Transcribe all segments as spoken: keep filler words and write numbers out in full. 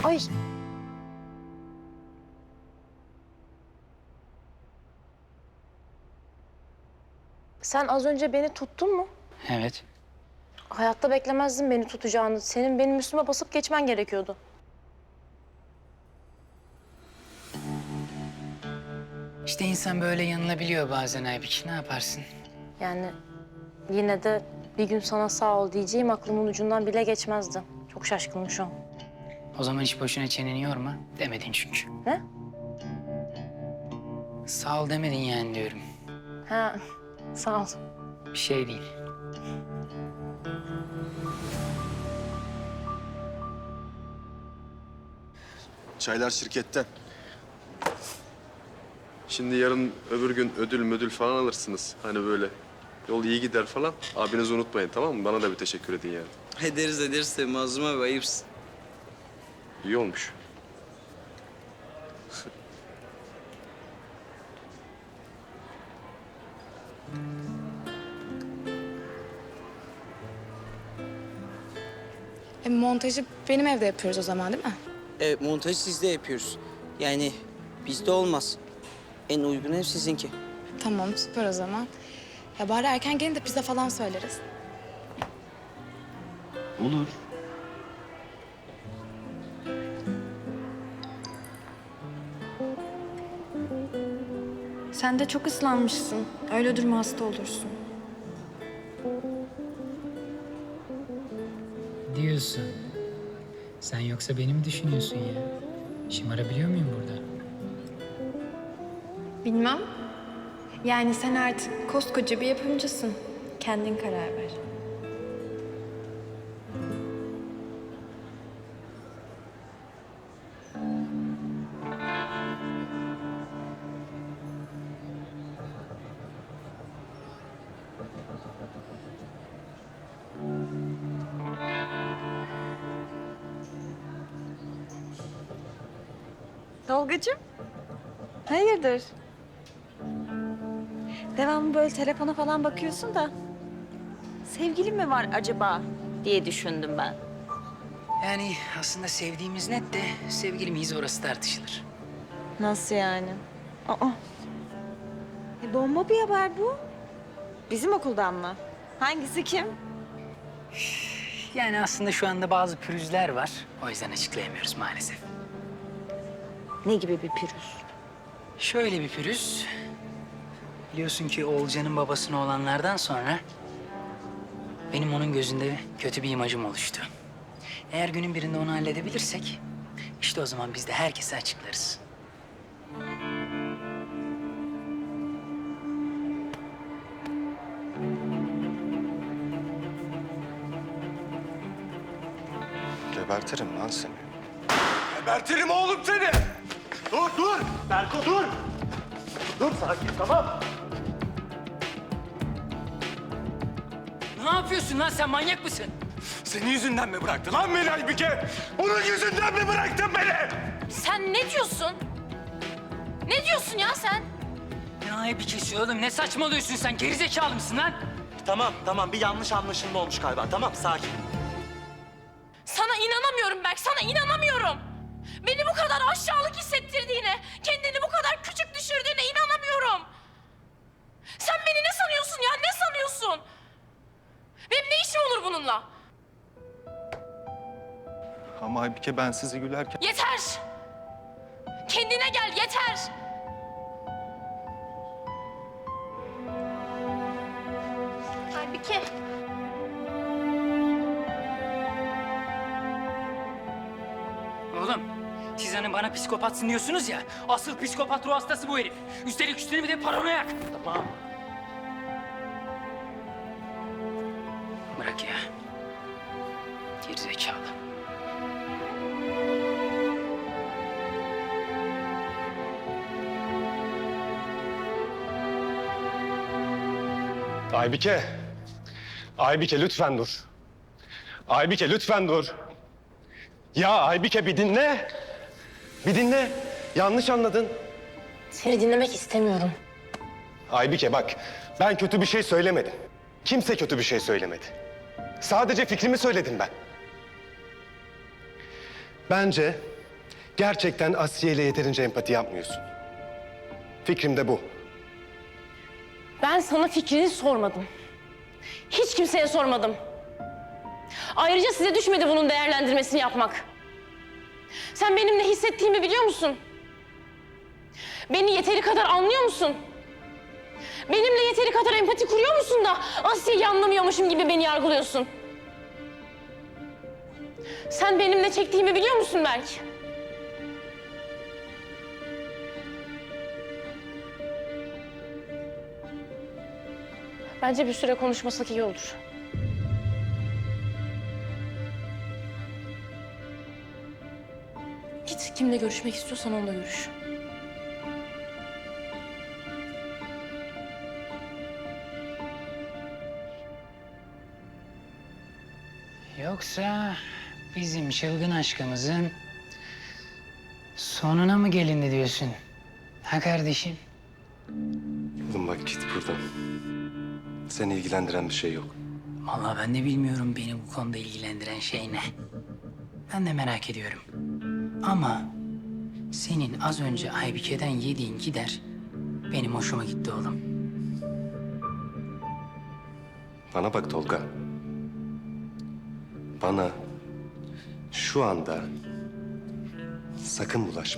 Ay. Sen az önce beni tuttun mu? Evet. Hayatta beklemezdim beni tutacağını. Senin benim üstüme basıp geçmen gerekiyordu. İşte insan böyle yanılabiliyor bazen Aybik. Ne yaparsın? Yani yine de bir gün sana sağ ol diyeceğim aklımın ucundan bile geçmezdi. Çok şaşkınım şu an. O zaman hiç boşuna çeneni yorma. Demedin çünkü. Ne? Sağ ol demedin yani diyorum. Ha, sağ ol. Bir şey değil. Çaylar şirketten. Şimdi yarın öbür gün ödül müdül falan alırsınız. Hani böyle yol iyi gider falan. Abinizi unutmayın, tamam mı? Bana da bir teşekkür edin yani. Ederiz ederiz de Mazlum abi ayıpsın. İyi olmuş. E, montajı benim evde yapıyoruz o zaman değil mi? Evet montajı sizde yapıyoruz. Yani bizde olmaz. En uygun ev sizinki. Tamam süper o zaman. Ya bari erken gelin de pizza falan söyleriz. Olur. Sen de çok ıslanmışsın. Öyle durma hasta olursun. Diyorsun. Sen yoksa beni mi düşünüyorsun ya? Şımarabiliyor muyum burada? Bilmem. Yani sen artık koskoca bir yapımcısın. Kendin karar ver. Tolgacığım, hayırdır? Devamlı böyle telefona falan bakıyorsun da... sevgilin mi var acaba diye düşündüm ben. Yani aslında sevdiğimiz net de sevgili miyiz orası tartışılır. Nasıl yani? Aa, e, bomba bir haber bu. Bizim okuldan mı? Hangisi kim? Yani aslında şu anda bazı pürüzler var. O yüzden açıklayamıyoruz maalesef. Ne gibi bir pürüz? Şöyle bir pürüz. Biliyorsun ki Oğulcan'ın babasına olanlardan sonra... benim onun gözünde kötü bir imajım oluştu. Eğer günün birinde onu halledebilirsek... işte o zaman biz de herkese açıklarız. Gebertirim lan seni. Gebertirim oğlum seni! Dur, dur! Berko dur! Dur sakin, tamam. Ne yapıyorsun lan sen manyak mısın? Senin yüzünden mi bıraktı lan beni Aybike? Onun yüzünden mi bıraktın beni? Sen ne diyorsun? Ne diyorsun ya sen? Ne ayıp kesiyor oğlum? Ne saçmalıyorsun sen? Gerizekalı mısın lan? Tamam, tamam. Bir yanlış anlaşılma olmuş galiba. Tamam, sakin. Sana inanamıyorum Berk, sana inanamıyorum. Beni bu kadar aşağılık hissettirdiğine, kendini bu kadar küçük düşürdüğüne inanamıyorum. Sen beni ne sanıyorsun ya, ne sanıyorsun? Benim ne işim olur bununla? Ama Aybike ben sizi gülerken... Yeter! Kendine gel, yeter! Aybike. Oğlum, siz hani bana psikopatsın diyorsunuz ya. Asıl psikopat ruh hastası bu herif. Üstelik üstüne bir de paranoyak. Tamam. Bırak ya. Gerizekalı. Aybike. Aybike lütfen dur. Aybike lütfen dur. Ya Aybike bir dinle. Bir dinle. Yanlış anladın. Seni dinlemek istemiyorum. Aybike bak, ben kötü bir şey söylemedim. Kimse kötü bir şey söylemedi. Sadece fikrimi söyledim ben. Bence Gerçekten Asiye ile yeterince empati yapmıyorsun. Fikrim de bu. Ben sana fikrini sormadım. Hiç kimseye sormadım. Ayrıca size düşmedi bunun değerlendirmesini yapmak. Sen benim ne hissettiğimi biliyor musun? Beni yeteri kadar anlıyor musun? Benimle yeteri kadar empati kuruyor musun da Asiye'yi anlamıyormuşum gibi beni yargılıyorsun? Sen benim ne çektiğimi biliyor musun Berk? Bence bir süre konuşmasak iyi olur. Git kimle görüşmek istiyorsan onunla görüş. Yoksa bizim çılgın aşkımızın sonuna mı gelindi diyorsun? Ha kardeşim? Oğlum bak git buradan. Seni ilgilendiren bir şey yok. Vallahi ben de bilmiyorum beni bu konuda ilgilendiren şey ne. Ben de merak ediyorum. Ama senin az önce Aybike'den yediğin gider benim hoşuma gitti oğlum. Bana bak Tolga. Bana şu anda sakın bulaşma.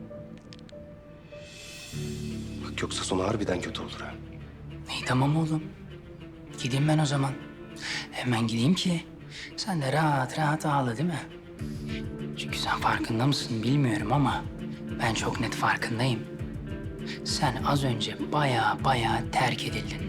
Bak yoksa sonu harbiden kötü olur ha. İyi tamam oğlum. Gideyim ben o zaman. Hemen gideyim ki sen de rahat rahat ağla değil mi? Çünkü sen farkında mısın bilmiyorum ama ben çok net farkındayım. Sen az önce baya baya terk edildin.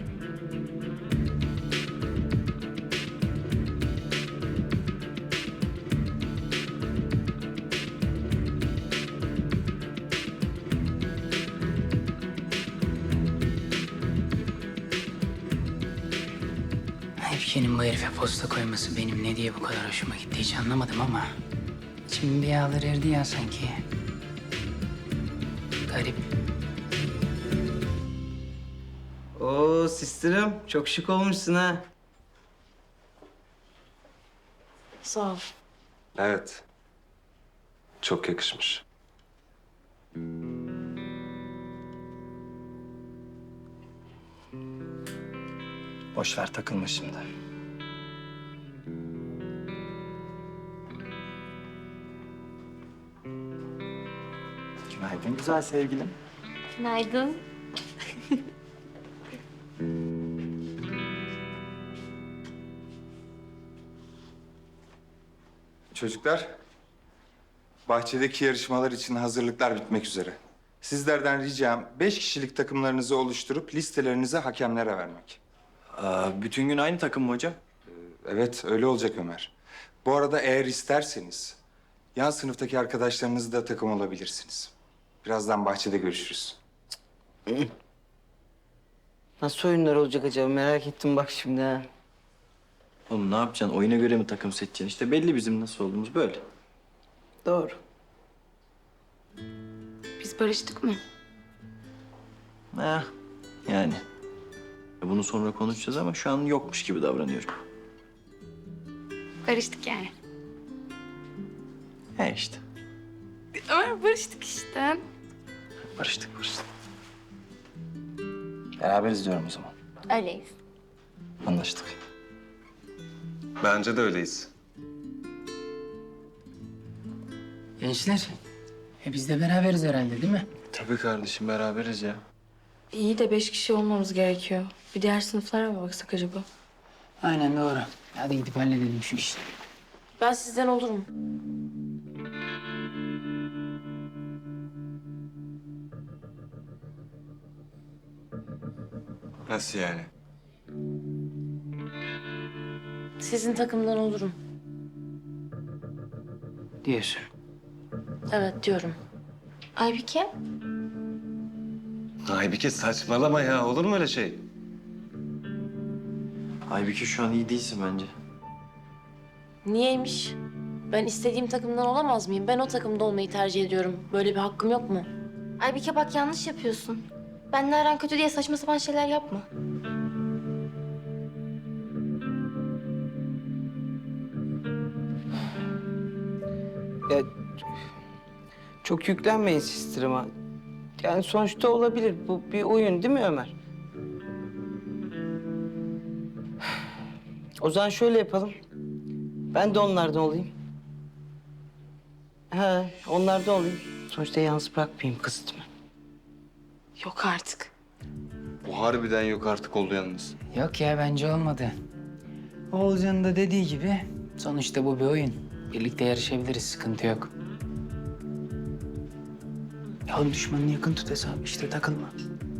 Aybike'nin bu herife posta koyması benim ne diye bu kadar hoşuma gitti hiç anlamadım ama... ...içim bir yağlar erdi ya sanki. Garip. Oo sistirim, çok şık olmuşsun ha. Sağ ol. Evet. Çok yakışmış. Boş ver takılma şimdi. Günaydın güzel sevgilim. Günaydın. Çocuklar, bahçedeki yarışmalar için hazırlıklar bitmek üzere. Sizlerden ricam beş kişilik takımlarınızı oluşturup listelerinizi hakemlere vermek. Aa, bütün gün aynı takım mı hocam? Evet, öyle olacak Ömer. Bu arada eğer isterseniz yan sınıftaki arkadaşlarınızı da takım olabilirsiniz. Birazdan bahçede görüşürüz. Nasıl oyunlar olacak acaba merak ettim bak şimdi ha. Oğlum ne yapacaksın? Oyuna göre mi takım seçeceksin? İşte belli bizim nasıl olduğumuz böyle. Doğru. Biz barıştık mı? Ha, yani. Bunu sonra konuşacağız ama şu an yokmuş gibi davranıyorum. Barıştık yani. He işte. Ömer barıştık işte. Barıştık barıştık. Beraberiz diyorum o zaman. Öyleyiz. Anlaştık. Bence de öyleyiz. Gençler, e biz de beraberiz herhalde değil mi? Tabii kardeşim beraberiz ya. İyi de beş kişi olmamız gerekiyor. Bir diğer sınıflara mı baksak acaba? Aynen doğru. Hadi gidip halledelim şu işi. Ben sizden olurum. Nasıl yani? Sizin takımdan olurum. Diyorsun. Evet diyorum. Aybike? Aybike saçmalama ya. Olur mu öyle şey? Aybüke şu an iyi değilsin bence. Niyeymiş? Ben istediğim takımdan olamaz mıyım? Ben o takımda olmayı tercih ediyorum. Böyle bir hakkım yok mu? Aybike bak yanlış yapıyorsun. Benle aran kötü diye saçma sapan şeyler yapma. Ya Çok yüklenmeyin sistirime. Yani sonuçta olabilir. Bu bir oyun değil mi Ömer? O zaman şöyle yapalım. Ben de onlardan olayım. He, onlardan olayım. Sonuçta yalnız bırakmayayım kızımı. Yok artık. Bu harbiden yok artık oldu yalnız. Yok ya bence olmadı. Oğulcan'ın da dediği gibi sonuçta bu bir oyun. Birlikte yarışabiliriz, sıkıntı yok. Ya oğlum düşmanını yakın tut hesabı işte takılma.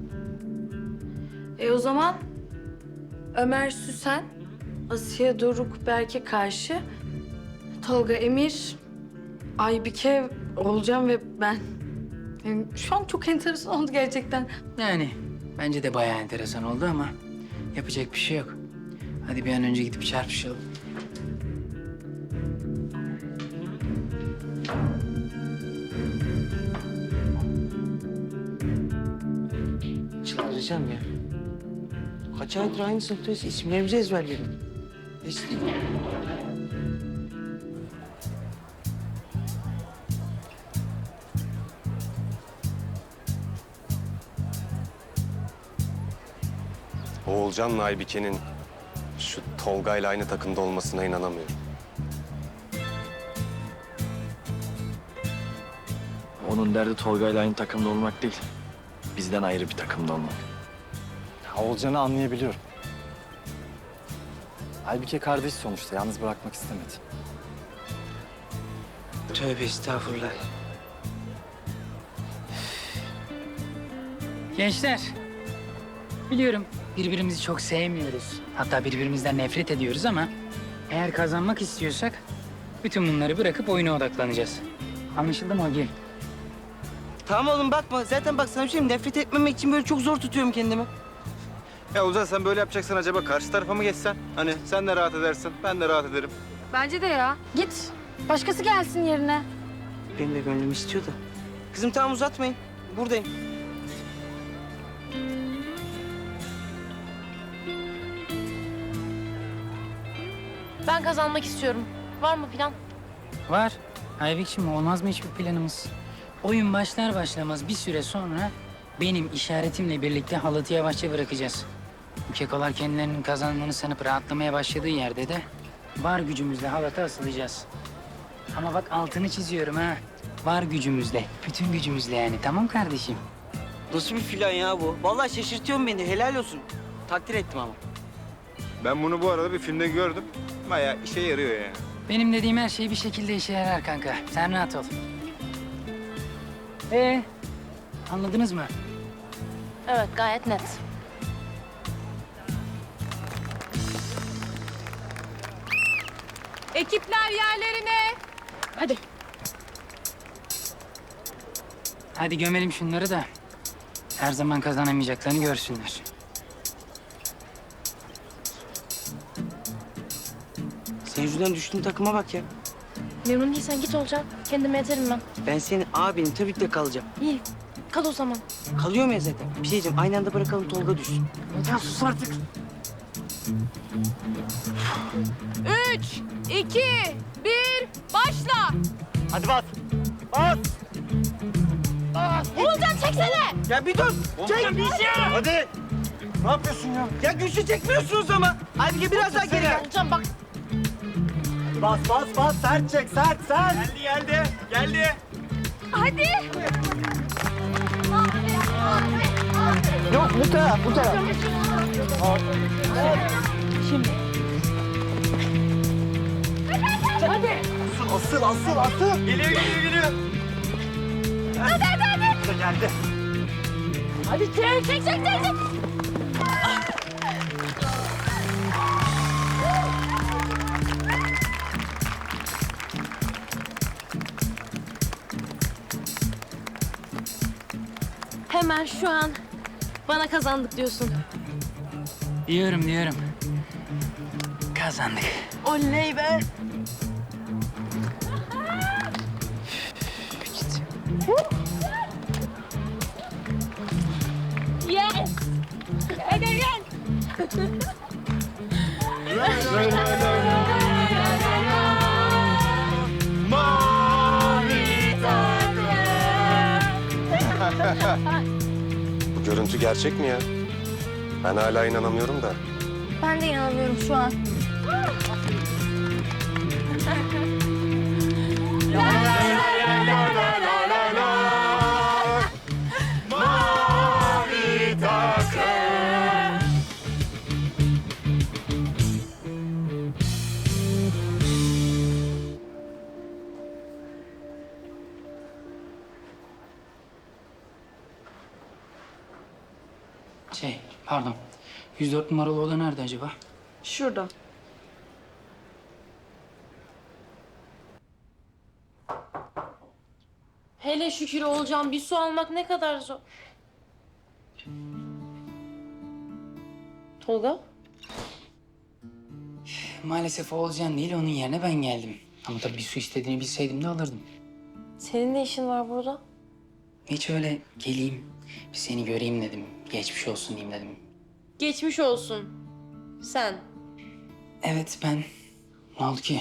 E o zaman Ömer Süsen, Asiye Doruk Berk'e karşı Tolga Emir, Aybike, Oğulcan ve ben. Yani şu an çok enteresan oldu gerçekten. Yani bence de bayağı enteresan oldu ama yapacak bir şey yok. Hadi bir an önce gidip çarpışalım. Çıldıracağım ya. Kaç aydır aynı sınıftayız. İsimlerimizi ezberledim. Hiç değil. Oğulcan'la Aybike'nin şu Tolga'yla aynı takımda olmasına inanamıyorum. Onun derdi Tolga'yla aynı takımda olmak değil. Bizden ayrı bir takımda olmak. Oğulcan'ı anlayabiliyorum. Aybike kardeş sonuçta. Yalnız bırakmak istemedi. Tövbe estağfurullah. Gençler, biliyorum birbirimizi çok sevmiyoruz. Hatta birbirimizden nefret ediyoruz ama eğer kazanmak istiyorsak bütün bunları bırakıp oyuna odaklanacağız. Anlaşıldı mı Ogi? Tamam oğlum bakma. Zaten bak sana bir şey diyeyim, nefret etmemek için böyle çok zor tutuyorum kendimi. Ya Ozan sen böyle yapacaksan acaba karşı tarafa mı geçsen? Hani sen de rahat edersin, ben de rahat ederim. Bence de ya. Git. Başkası gelsin yerine. Benim de gönlüm istiyor da. Kızım tamam uzatmayın. Buradayım. Ben kazanmak istiyorum. Var mı plan? Var. Aybik'cim olmaz mı hiçbir planımız? Oyun başlar başlamaz bir süre sonra benim işaretimle birlikte halatı yavaşça bırakacağız. Bu kekolar kendilerinin kazandığını sanıp rahatlamaya başladığı yerde de var gücümüzle halata asılacağız. Ama bak altını çiziyorum ha. Var gücümüzle, bütün gücümüzle yani. Tamam kardeşim? Nasıl bir plan ya bu? Vallahi şaşırtıyorsun beni. Helal olsun. Takdir ettim ama. Ben bunu bu arada bir filmde gördüm. Bayağı işe yarıyor yani. Benim dediğim her şey bir şekilde işe yarar kanka. Sen rahat ol. Ee, anladınız mı? Evet, gayet net. Ekipler yerlerine. Hadi. Hadi gömelim şunları da her zaman kazanamayacaklarını görsünler. Sen yüzünden düştüğün takıma bak ya. Memnun değilsen git olacak. Kendime yeterim ben. Ben senin abinim. Tabii ki de kalacağım. İyi, kal o zaman. Kalıyor ya zaten? Bir şey diyeceğim. Aynı anda bırakalım Tolga düşsün. Ya sus artık. Üç, iki, bir, başla. Hadi bas. Bas. Oğulcan çeksene! Ya bir dur. Çek. Hadi. Ne yapıyorsun ya? Ya güçlü çekmiyorsunuz ama. Aybike biraz daha geri gel. Oğulcan bak. Bas bas bas. Sert çek sert sert. Geldi geldi. Geldi. Hadi. Yok bu taraf bu taraf. Asıl asıl asıl. Geliyor geliyor geliyor. Hadi hadi hadi. Geldi. Hadi çek, çek, çek, çek, çek. Hemen şu an bana kazandık diyorsun. Diyorum diyorum. Kazandık. Oley be. Yes. Hadi gel. Mavi takım. görüntü gerçek mi ya? Ben hala inanamıyorum da. Ben de inanamıyorum şu an. Şey, pardon. yüz dört numaralı oda nerede acaba? Şurada. Hele şükür olacağım. Bir su almak ne kadar zor. Tolga? Maalesef Oğulcan değil, onun yerine ben geldim. Ama tabii bir su istediğini bilseydim de alırdım. Senin ne işin var burada? Hiç öyle geleyim, bir seni göreyim dedim. Geçmiş olsun diyeyim dedim. Geçmiş olsun. Sen. Evet, ben. Ne oldu ki?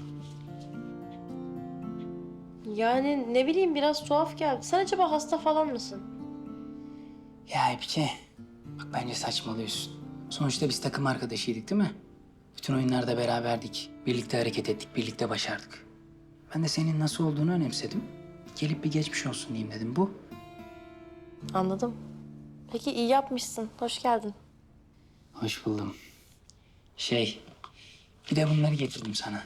Yani ne bileyim biraz tuhaf geldi. Sen acaba hasta falan mısın? Ya Epike, bak bence saçmalıyorsun. Sonuçta biz takım arkadaşıydık değil mi? Bütün oyunlarda beraberdik. Birlikte hareket ettik, birlikte başardık. Ben de senin nasıl olduğunu önemsedim. Gelip bir geçmiş olsun diyeyim dedim. Bu. Anladım. Peki iyi yapmışsın. Hoş geldin. Hoş buldum. Şey, bir de bunları getirdim sana.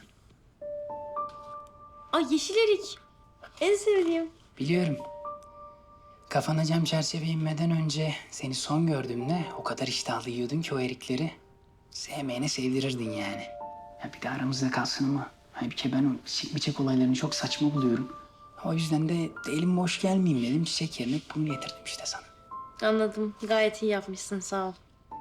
Ay yeşil erik. En sevdiğim. Biliyorum. Kafana cam çerçeve inmeden önce seni son gördüğümde o kadar iştahlı yiyordun ki o erikleri. Sevmeyene sevdirirdin yani. Ya bir de aramızda kalsın ama. Halbuki ben o çiçek miçek olaylarını çok saçma buluyorum. O yüzden de, de elim boş gelmeyeyim dedim. Çiçek yerine bunu getirdim işte sana. Anladım. Gayet iyi yapmışsın. Sağ ol.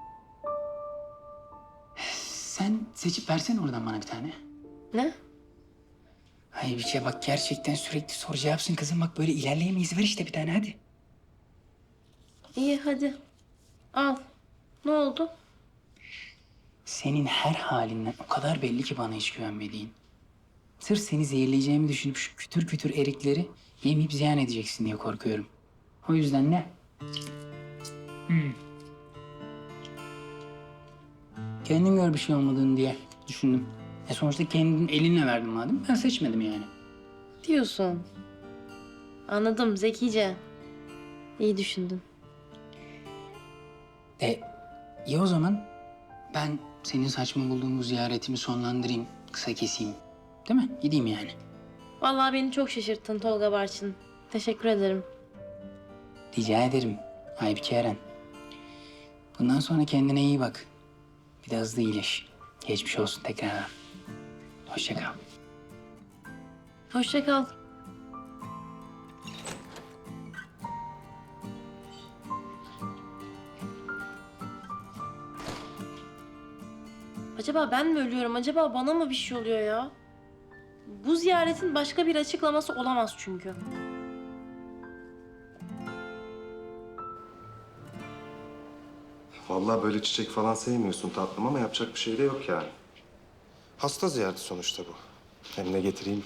Sen seçip versene oradan bana bir tane. Ne? Ay bir şey bak gerçekten sürekli soru cevapsın kızım. Bak böyle ilerleyemeyiz. Ver işte bir tane hadi. İyi hadi. Al. Ne oldu? Senin her halinden o kadar belli ki bana hiç güvenmediğin. Sırf seni zehirleyeceğimi düşünüp şu kütür kütür erikleri yemeyip ziyan edeceksin diye korkuyorum. O yüzden ne? Hmm. Kendin gör bir şey olmadığını diye düşündüm. E sonuçta kendin elinle verdin madem. Ben seçmedim yani. Diyorsun. Anladım. Zekice. İyi düşündün. E iyi o zaman ben senin saçma bulduğun bu ziyaretimi sonlandırayım. Kısa keseyim. Değil mi? Gideyim yani. Vallahi beni çok şaşırttın Tolga Barçın. Teşekkür ederim. Rica ederim. Aybike Eren. Bundan sonra kendine iyi bak. Bir de hızlı iyileş. Geçmiş olsun tekrardan. Hoşça kal. Hoşça kal. Acaba ben mi ölüyorum? Acaba bana mı bir şey oluyor ya? Bu ziyaretin başka bir açıklaması olamaz çünkü. Vallahi böyle çiçek falan sevmiyorsun tatlım ama yapacak bir şey de yok yani. Hasta ziyareti sonuçta bu. Hem ne getireyim?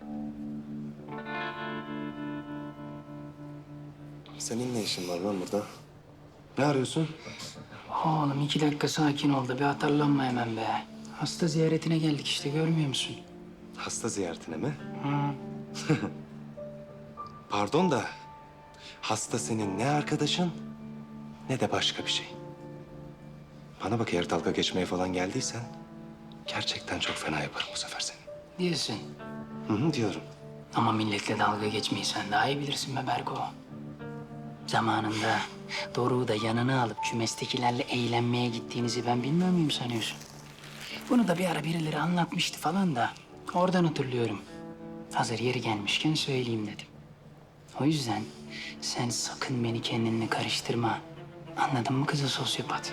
Senin ne işin var lan burada? Ne arıyorsun? Oğlum iki dakika sakin ol da bir atarlanma hemen be. Hasta ziyaretine geldik işte görmüyor musun? Hasta ziyaretine mi? Hı. Pardon da hasta senin ne arkadaşın ne de başka bir şey. Bana bak eğer dalga geçmeye falan geldiysen gerçekten çok fena yaparım bu sefer seni. Diyorsun. Hı hı diyorum. Ama milletle dalga geçmeyi sen daha iyi bilirsin be Berko. Zamanında Doruk'u da yanına alıp kümestekilerle eğlenmeye gittiğinizi ben bilmiyor muyum sanıyorsun? Bunu da bir ara birileri anlatmıştı falan da oradan hatırlıyorum. Hazır yeri gelmişken söyleyeyim dedim. O yüzden sen sakın beni kendinle karıştırma. Anladın mı kızı sosyopat?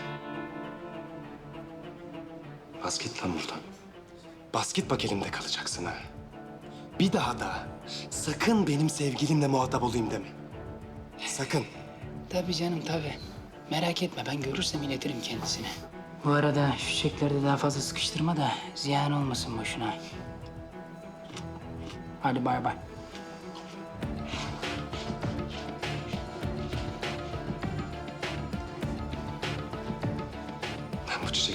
Bas git lan buradan. Bas git bak elimde kalacaksın ha. Bir daha da sakın benim sevgilimle muhatap olayım deme. Sakın. Tabii canım tabii. Merak etme ben görürsem iletirim kendisine. Bu arada şu çiçekleri de daha fazla sıkıştırma da ziyan olmasın boşuna. Hadi bay bay.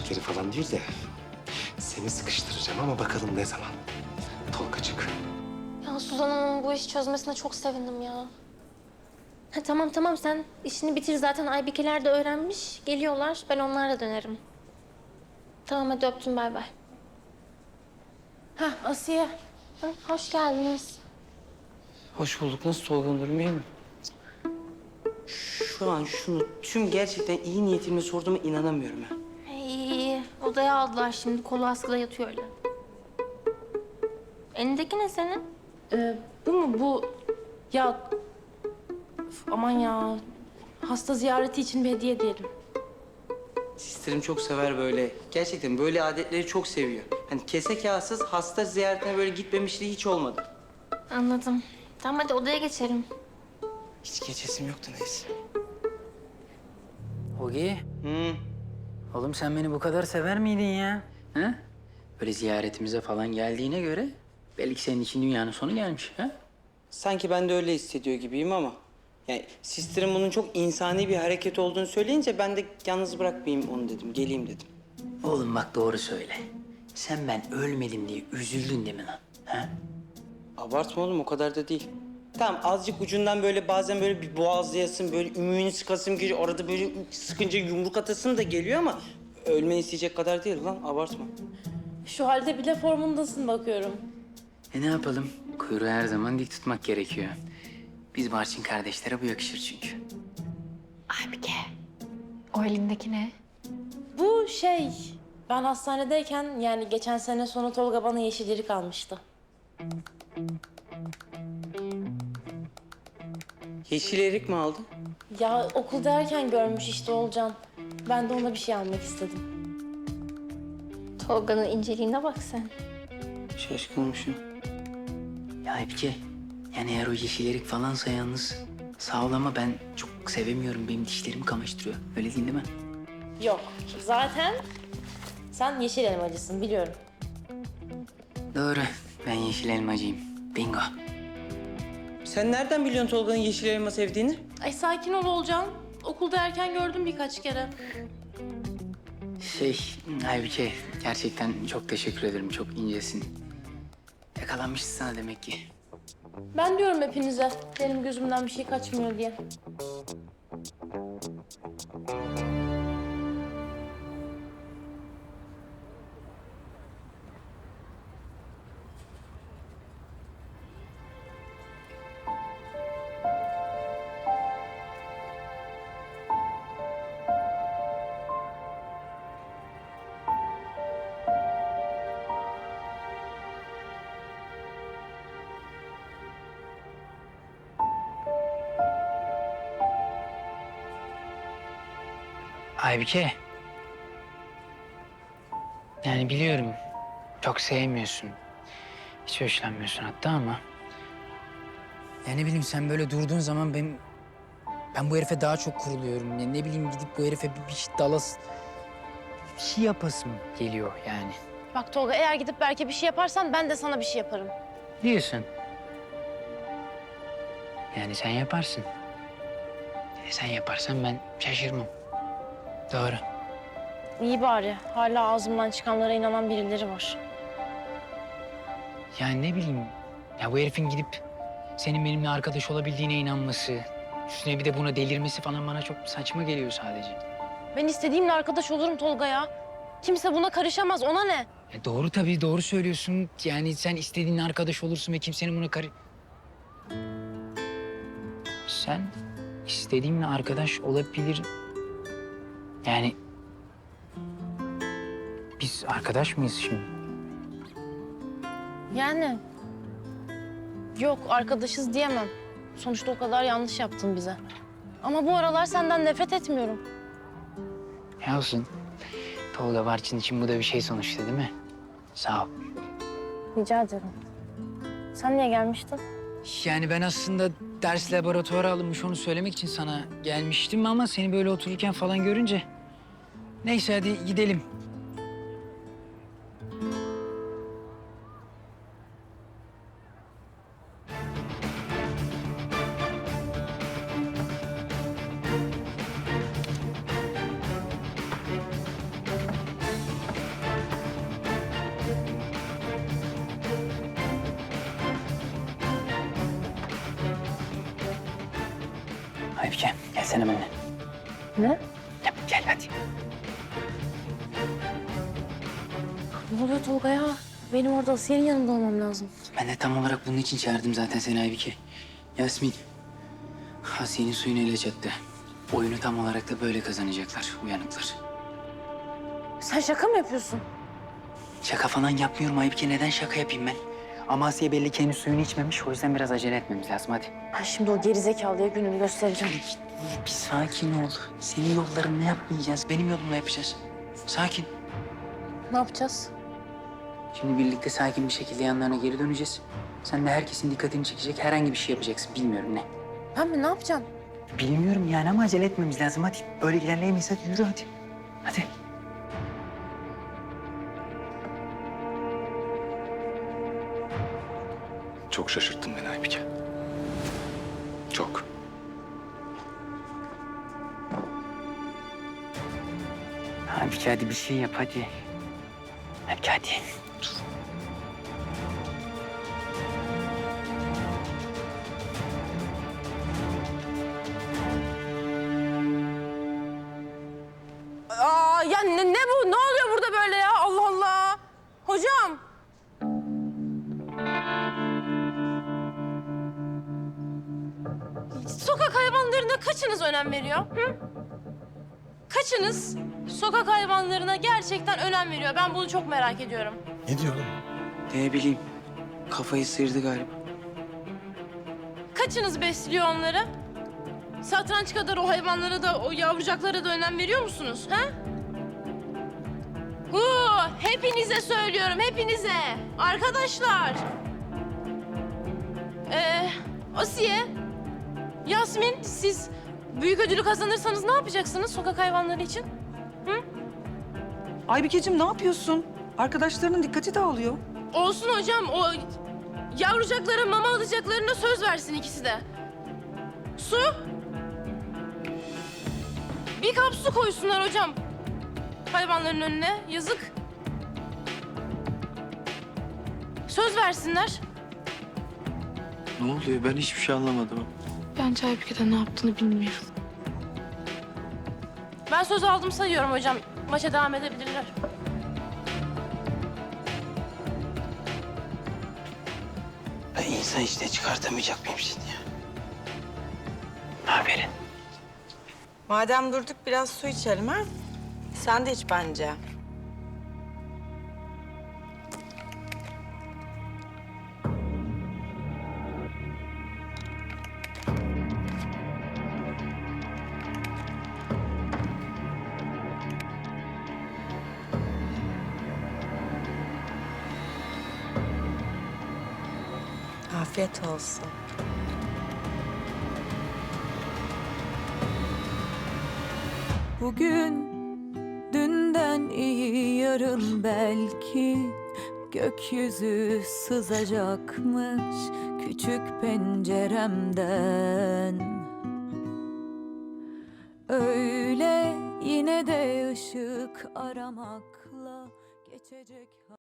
ziyaretleri falan değil de seni sıkıştıracağım ama bakalım ne zaman. Tolgacık. Ya Suzan Hanım'ın bu işi çözmesine çok sevindim ya. Ha, tamam tamam sen işini bitir zaten Aybikeler de öğrenmiş. Geliyorlar ben onlarla dönerim. Tamam hadi öptüm bay bay. Hah Asiye. Hı, hoş geldiniz. Hoş bulduk. Nasıl Tolga'nın durumu iyi mi? Şu an şunu tüm gerçekten iyi niyetimle sorduğuma inanamıyorum ha. İyi iyi. Odaya aldılar şimdi. Kolu askıda yatıyor öyle. Elindeki ne senin? Ee, bu mu bu? Ya üf, aman ya. Hasta ziyareti için bir hediye diyelim. Sisterim çok sever böyle. Gerçekten böyle adetleri çok seviyor. Hani kese kağıtsız hasta ziyaretine böyle gitmemişliği hiç olmadı. Anladım. Tamam hadi odaya geçelim. Hiç geçesim yoktu neyse. Ogi, Hı. oğlum sen beni bu kadar sever miydin ya? Ha? Böyle ziyaretimize falan geldiğine göre belki senin için dünyanın sonu gelmiş. Ha? Sanki ben de öyle hissediyor gibiyim ama... Yani sisterim bunun çok insani bir hareket olduğunu söyleyince ben de yalnız bırakmayayım onu dedim. Geleyim dedim. Oğlum bak doğru söyle. Sen ben ölmedim diye üzüldün değil mi lan? Ha? Abartma oğlum o kadar da değil. Tamam azıcık ucundan böyle bazen böyle bir boğazlayasın, böyle ümüğünü sıkasım geliyor. Arada böyle sıkınca yumruk atasım da geliyor ama... ...ölmeni isteyecek kadar değil lan, abartma. Şu halde bile formundasın bakıyorum. E ne yapalım? Kuyruğu her zaman dik tutmak gerekiyor. Biz Barçın kardeşlere bu yakışır çünkü. Aybike. O elindeki ne? Bu şey, ben hastanedeyken yani geçen sene sonu Tolga bana yeşilleri kalmıştı. Yeşil erik mi aldın? Ya okuldayken görmüş işte Olcan. Ben de ona bir şey almak istedim. Tolga'nın inceliğine bak sen. Şaşkınmışım. Ya Aybike, yani eğer o yeşil erik falansa yalnız sağ ol ama ben çok sevemiyorum. Benim dişlerimi kamaştırıyor. Öyle değil değil mi? Yok, zaten sen yeşil elmacısın biliyorum. Doğru. Ben yeşil elmacıyım. Bingo. Sen nereden biliyorsun Tolga'nın yeşil elma sevdiğini? Ay sakin ol Olcan. Okulda erken gördüm birkaç kere. Şey, Aybike gerçekten çok teşekkür ederim. Çok incesin. Yakalanmışsın sana demek ki. Ben diyorum hepinize benim gözümden bir şey kaçmıyor diye. Aybike. Yani biliyorum çok sevmiyorsun. Hiç hoşlanmıyorsun hatta ama... Ya ne bileyim sen böyle durduğun zaman ben... Ben bu herife daha çok kuruluyorum. Ya ne bileyim gidip bu herife bir, bir şey dalas... Bir şey yapasım geliyor yani. Bak Tolga eğer gidip Berk'e bir şey yaparsan ben de sana bir şey yaparım. Diyorsun. Yani sen yaparsın. E sen yaparsan ben şaşırmam. Doğru. İyi bari. Hala ağzımdan çıkanlara inanan birileri var. Yani ne bileyim, ya bu herifin gidip senin benimle arkadaş olabildiğine inanması, üstüne bir de buna delirmesi falan bana çok saçma geliyor sadece. Ben istediğimle arkadaş olurum Tolga ya. Kimse buna karışamaz. Ona ne? Ya doğru tabii, doğru söylüyorsun. Yani sen istediğinle arkadaş olursun ve kimsenin buna karı... Sen istediğinle arkadaş olabilir... Yani... Biz arkadaş mıyız şimdi? Yani. Yok arkadaşız diyemem. Sonuçta o kadar yanlış yaptın bize. Ama bu aralar senden nefret etmiyorum. Ya olsun. Tolga Barçın için bu da bir şey sonuçta değil mi? Sağ ol. Rica ederim. Sen niye gelmiştin? Yani ben aslında ders laboratuvara alınmış onu söylemek için sana gelmiştim ama seni böyle otururken falan görünce... Neyse hadi gidelim. Aybike gelsene benimle. Ne? Gel, gel hadi. Ne oluyor Tolga ya? Benim orada Asiye'nin yanında olmam lazım. Ben de tam olarak bunun için çağırdım zaten seni Aybike. Yasmin, Asiye'nin suyunu ele çattı. Oyunu tam olarak da böyle kazanacaklar, uyanıklar. Sen şaka mı yapıyorsun? Şaka falan yapmıyorum Aybike. Neden şaka yapayım ben? Ama Asiye belli ki henüz suyunu içmemiş. O yüzden biraz acele etmemiz lazım. Hadi. Ben şimdi o gerizekalıya gününü göstereceğim. Bir sakin ol. Senin yollarını yapmayacağız. Benim yolumla yapacağız. Sakin. Ne yapacağız? Şimdi birlikte sakin bir şekilde yanlarına geri döneceğiz. Sen de herkesin dikkatini çekecek herhangi bir şey yapacaksın. Bilmiyorum ne. Ben mi? Ne yapacağım? Bilmiyorum yani ama acele etmemiz lazım. Hadi. Böyle ilerleyemeyiz. Hadi yürü hadi. Hadi. Çok şaşırttın beni Aybike. Çok. Aybike hadi bir şey yap hadi. Aybike hadi. Aa ya ne, ne bu? Ne oluyor burada böyle ya? Allah Allah. Hocam. Sokak hayvanlarına kaçınız önem veriyor? Hı? Kaçınız sokak hayvanlarına gerçekten önem veriyor? Ben bunu çok merak ediyorum. Ne diyor oğlum? Ne bileyim. Kafayı sıyırdı galiba. Kaçınız besliyor onları? Satranç kadar o hayvanlara da, o yavrucaklara da önem veriyor musunuz? Ha? Hu, hepinize söylüyorum, hepinize. Arkadaşlar. Ee, Asiye, Yasmin, siz büyük ödülü kazanırsanız ne yapacaksınız sokak hayvanları için? Hı? Aybikeciğim ne yapıyorsun? Arkadaşlarının dikkati dağılıyor. Olsun hocam, o yavrucaklara mama alacaklarına söz versin ikisi de. Su. Bir kap su koysunlar hocam hayvanların önüne. Yazık. Söz versinler. Ne oluyor? Ben hiçbir şey anlamadım. Bence Aybike'de ne yaptığını bilmiyorum. Ben söz aldım sayıyorum hocam. Maça devam edebilirler. Ben insan içine çıkartamayacak mıyım seni ya? Aferin. Madem durduk biraz su içelim ha. Sen de iç bence. Afiyet olsun. Bugün dünden iyi yarın belki gökyüzü sızacakmış küçük penceremden. Öyle yine de ışık aramakla geçecek.